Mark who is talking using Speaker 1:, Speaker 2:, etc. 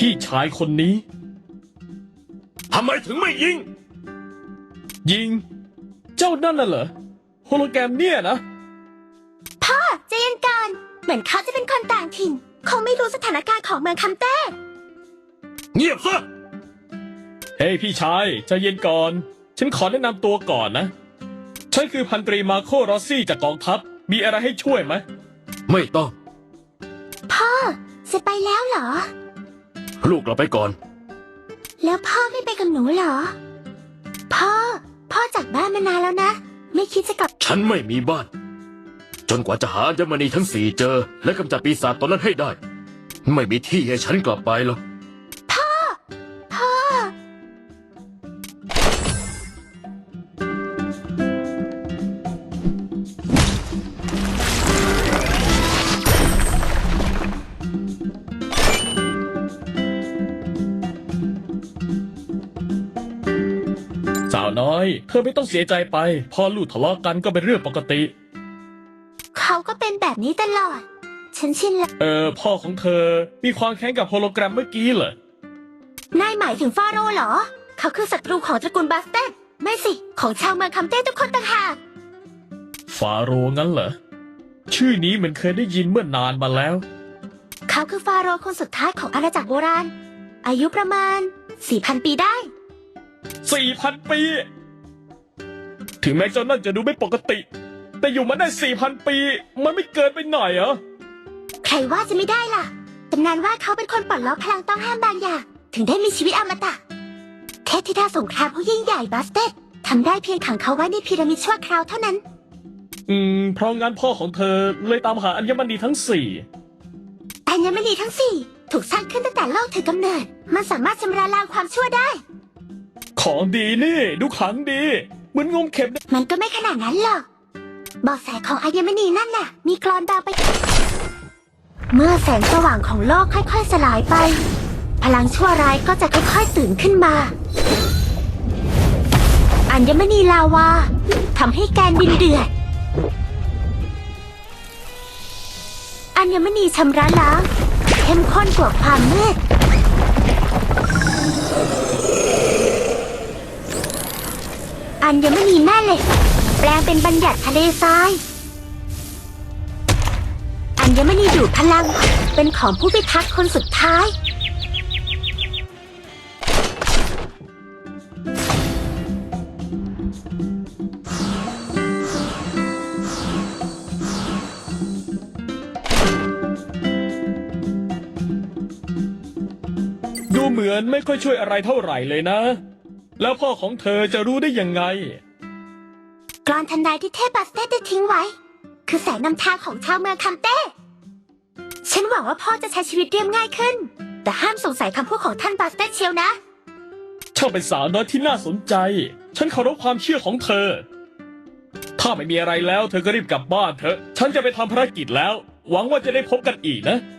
Speaker 1: พี่ชายคนนี้
Speaker 2: ทำไมถึงไม่ยิง
Speaker 1: ยิง เจ้านั่นน่ะเหรอโฮโลแกรมเนี่ยนะ
Speaker 3: พ่อใจเย็นก่อนเหมือนเขาจะเป็นคนต่างถิ่นคงไม่รู้สถานการณ์ของเมืองคำเต้
Speaker 2: เงียบซะ
Speaker 1: เฮ้ยพี่ชายใจเย็นก่อน ฉันขอแนะนำตัวก่อนนะ ฉันคือพันตรีมาโครอสซี่จากกองทัพ มีอะไรให้ช่วยไหม
Speaker 2: ไม่ต้อง
Speaker 3: พ่อจะไปแล้วเหรอ
Speaker 2: ลูกเราไปก่อน
Speaker 3: แล้วพ่อไม่ไปกับหนูเหรอ พ่อจากบ้านมานานแล้วนะ ไม่คิดจะกลับ
Speaker 2: ฉันไม่มีบ้าน จนกว่าจะหาอัญมณีทั้งสี่เจอ และกำจัดปีศาจตนนั้นให้ได้ ไม่มีที่ให้ฉันกลับไปหรอก
Speaker 3: พ่อ
Speaker 1: สาวน้อย เธอไม่ต้องเสียใจไปพ่อลูกทะเลาะกันก็เป็นเรื่องปกติ
Speaker 3: เขาก็เป็นแบบนี้ตลอด ฉันชินแล้ว
Speaker 1: พ่อของเธอมีความแค้นกับโฮโลแกรมเมื่อกี้เหรอ
Speaker 3: นายหมายถึงฟาโรห์เหรอ เขาคือศัตรูของตระกูลบาสเตนไม่สิ ของชาวเมืองคำเต้ทุกคนต่างหาก
Speaker 1: ฟาโรห์งั้นเหรอ ชื่อนี้เหมือนเคยได้ยินเมื่อนานมาแล้ว
Speaker 3: เขาคือฟาโรห์คนสุดท้ายของอาณาจักรโบราณ อายุประมาณ 4,000 ปีได้
Speaker 1: 4,000 ปี ถึงแม้เจ้านั่นจะดูไม่ปกติ แต่อยู่มาได้ 4,000 ปี มันไม่เกินไปหน่อยเหรอ
Speaker 3: ใครว่าจะไม่ได้ล่ะตำนานว่าเขาเป็นคนปลดล็อกพลังต้องห้ามบางอย่าง ถึงได้มีชีวิตอมตะเทพธิดาสงครามผู้ยิ่งใหญ่บาสเตดทำได้เพียงขังเขาไว้ในพีระมิดชั่วคราวเท่านั้น
Speaker 1: เพราะงั้นพ่อของเธอเลยตามหาอัญมณีทั้ง
Speaker 3: อัญมณีทั้งสี่ถูกสร้างขึ้นตั้งแต่โลกถือกำเนิด มันสามารถชำระล้างความชั่วได้
Speaker 1: 4 ของดีนี่ดูขลังดี เหมือนงมเข็มนะ
Speaker 3: มันก็ไม่ขนาดนั้นหรอกเบาะแสของอัญมณีนั่นน่ะ มีกรอนบางไป เมื่อแสงสว่างของโลกค่อยๆสลายไป พลังชั่วร้ายก็จะค่อยๆตื่นขึ้นมา อัญมณีลาวาทำให้แกนดินเดือด อัญมณีชำระล้างเข้มข้นกว่าความมืด อัญมณีแม่เหล็กแปลงเป็นบัญญัติทะเลทราย อัญมณีดูดพลังเป็นของผู้พิทักษ์คนสุดท้าย
Speaker 1: ดูเหมือนไม่ค่อยช่วยอะไรเท่าไหร่เลยนะ แล้วพ่อของเธอจะรู้ได้ยังไง
Speaker 3: กรอนทันใดที่เทพบาสเต้ได้ทิ้งไว้ คือแสงนำทางของชาวเมืองคัมเต้ ฉันหวังว่าพ่อจะใช้ชีวิตเรียบง่ายขึ้น แต่ห้ามสงสัยคำพูดของท่านบาสเต้เชียวนะ
Speaker 1: ช่างเป็นสาวน้อยที่น่าสนใจ ฉันเคารพความเชื่อของเธอ ถ้าไม่มีอะไรแล้วเธอก็รีบกลับบ้านเถอะ ฉันจะไปทำภารกิจแล้ว หวังว่าจะได้พบกันอีกนะ